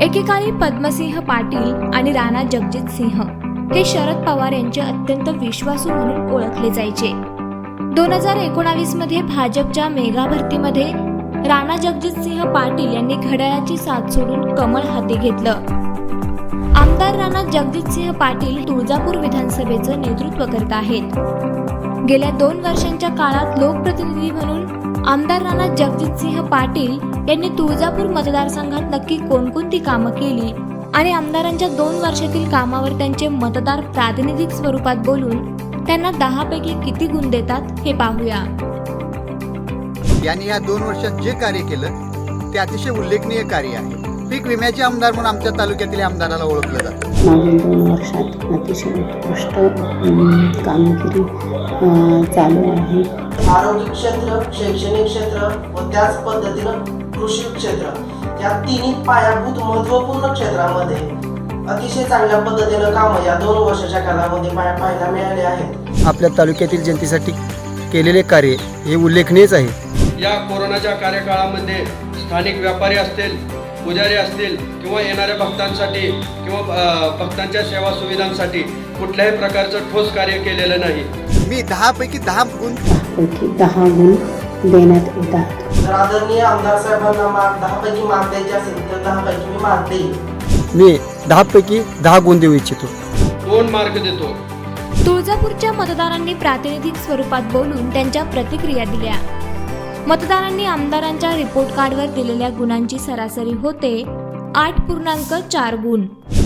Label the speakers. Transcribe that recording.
Speaker 1: एकेकाळी पद्मसिंह पाटील आणि राणा जगजितसिंह हे शरद पवार यांचे अत्यंत विश्वासू म्हणून ओळखले जायचे। 2019 मध्ये भाजपच्या मेगा भरतीमध्ये राणा जगजितसिंह पाटील यांनी घड्याळाची साथ सोडून कमळ हाती घेतलं। आमदार राणा जगजितसिंह पाटील तुळजापूर विधानसभेचं नेतृत्व करत आहेत। गेल्या 2 वर्षांच्या काळात लोकप्रतिनिधी म्हणून आमदार राणा जगजितसिंह पाटील यांनी तुळजापूर मतदारसंघात नक्की कोणकोणती कामं केली आणि आमदारांच्या 2 वर्षातील कामावर त्यांचे मतदार प्रातिनिधिक स्वरूपात बोलून त्यांना 10 पैकी किती गुण देतात हे पाहूया।
Speaker 2: यांनी या 2 वर्षात जे कार्य केलं ते अतिशय उल्लेखनीय कार्य आहे। पीक विम्याचे आमदार म्हणून आमच्या तालुक्यातील आमदाराला ओळखलं जातं।
Speaker 3: मागील 2 वर्षात अतिशय उत्कृष्ट कामगिरी चालू आहे।
Speaker 4: आरोग्य क्षेत्र, शैक्षणिक क्षेत्र व त्याच पद्धतीनं कृषी क्षेत्र या तिन्ही पायाभूत महत्त्वपूर्ण क्षेत्रामध्ये अतिशय चांगल्या पद्धतीनं कामं या 2 वर्षाच्या कालामध्ये पाहायला मिळाले आहेत।
Speaker 5: आपल्या तालुक्यातील जनतेसाठी केलेले कार्य हे उल्लेखनीयच आहे।
Speaker 6: या कोरोनाच्या कार्यकाळामध्ये स्थानिक व्यापारी असतील, पुजारी असतील किंवा येणाऱ्या भक्तांसाठी किंवा भक्तांच्या सेवा सुविधांसाठी कुठल्याही प्रकारचं ठोस कार्य केलेलं नाही।
Speaker 2: मी 10 पैकी 10 गुण
Speaker 3: 10 गुण देण्यात येतात।
Speaker 4: जर आदरणीय आमदार साहेबांना 10 पैकी मार्क द्यायचे असेल तर 10 पैकी मी मार्क देईल।
Speaker 5: मी 10 पैकी 10 गुण देऊ इच्छितो।
Speaker 6: 2 मार्क देतो।
Speaker 1: तुळजापूरच्या मतदारांनी प्रातिनिधिक स्वरूपात बोलून त्यांच्या प्रतिक्रिया दिल्या। मतदारांनी आमदारांच्या रिपोर्ट कार्डवर दिलेल्या गुणांची सरासरी होते 8.4 गुण।